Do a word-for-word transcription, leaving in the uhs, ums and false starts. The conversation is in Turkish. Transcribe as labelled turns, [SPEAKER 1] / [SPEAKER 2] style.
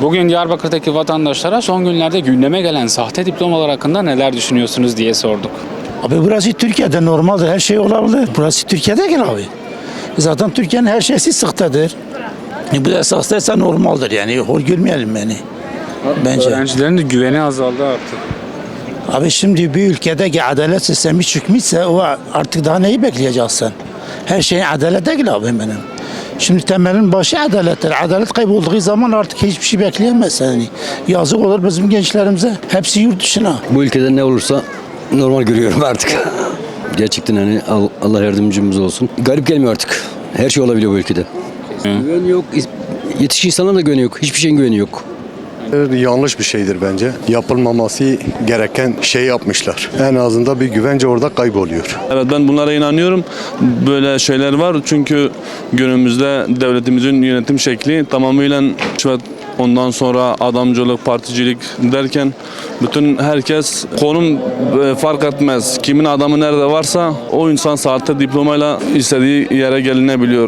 [SPEAKER 1] Bugün Diyarbakır'daki vatandaşlara son günlerde gündeme gelen sahte diplomalar hakkında neler düşünüyorsunuz diye sorduk.
[SPEAKER 2] Abi burası Türkiye'de normaldir. Her şey olabilir. Burası Türkiye'de gel abi. Zaten Türkiye'nin her şeysi sıktadır. E bu da esastaysa normaldir yani. Hor görmeyelim beni. Bence.
[SPEAKER 1] Öğrencilerin de güveni azaldı artık.
[SPEAKER 2] Abi şimdi bir ülkede ki adalet sistemi çıkmışsa o artık daha neyi bekleyeceksin? Her şeyin adalet değil abi benim. Şimdi temelin başı adalettir. Adalet kaybolduğu zaman artık hiçbir şey bekleyemez yani. Yazık olur bizim gençlerimize. Hepsi yurt dışına.
[SPEAKER 3] Bu ülkede ne olursa normal görüyorum artık. Gerçekten hani Allah yardımcımız olsun. Garip gelmiyor artık. Her şey olabiliyor bu ülkede. Güven yok. Yetişkin insanların da güveni yok. Hiçbir şeyin güveni yok.
[SPEAKER 4] Yanlış bir şeydir bence. Yapılmaması gereken şey yapmışlar. En azından bir güvence orada kayboluyor.
[SPEAKER 5] Evet, ben bunlara inanıyorum. Böyle şeyler var çünkü günümüzde devletimizin yönetim şekli tamamıyla rüşvet, ondan sonra adamcılık, particilik derken bütün herkes konum fark etmez. Kimin adamı nerede varsa o insan sahte diplomayla istediği yere gelinebiliyor.